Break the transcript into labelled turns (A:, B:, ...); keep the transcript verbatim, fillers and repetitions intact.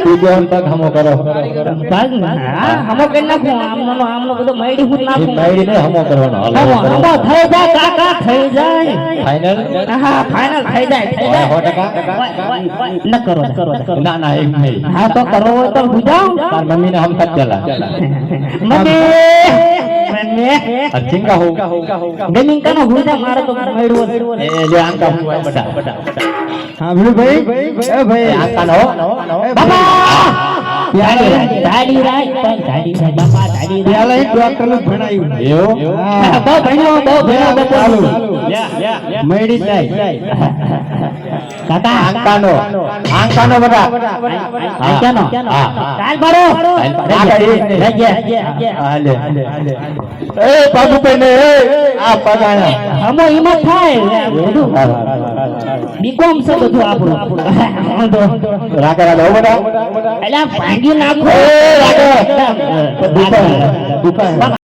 A: તું જો પગ હમો કરો
B: પગ હા હમો કરી નાખું આમનો નો આમનો બધો મૈડી હું નાખું
A: મૈડી ને હમો કરવાનો
B: હમો હમો થઈ જાય કાકા થઈ જાય
A: ફાઇનલ
B: હા ફાઇનલ થઈ જાય થઈ જાય
A: સો ટકા
B: ન કરો કરો
A: ના ના એમ નહીં
B: હા તો કરો હોય તો બુજાઓ
A: તાર મમ્મી ને હમ ખત ચલા
B: મમ્મી મમ્મી
A: અચિંગા હો
B: ગેમિંગ કાનો બુજા મારે તો મૈડવો
A: એ લે આંકા હું બટા બટા
C: હા ભીડુ ભાઈ એ ભાઈ
A: આંકા નો
B: બાપા ધાડી ધાડી રાઈ પણ ધાડી રાઈ બાપા ધાડી રાઈ
C: પેલા એક ડોક્ટર નું ભણાયું
A: એવું
B: હા બહુ ભણ્યો બહુ ભણ્યો બહુ
C: ચાલુ
A: લે લે
C: મૈડી જાય
B: કાકા
A: આંકા નો આંકા નો બટા
B: આંકાનો
A: હા
B: ચાલ બારો
A: હા લે એ બાબુ પેને આ પગાણા
B: હમો હિંમત થાય બધું બીકોમ છે બધું આપણું
A: રાકે રાકે બટા
B: એલા ભાંગી નાખો
A: એ રાકે દુકાન દુકાન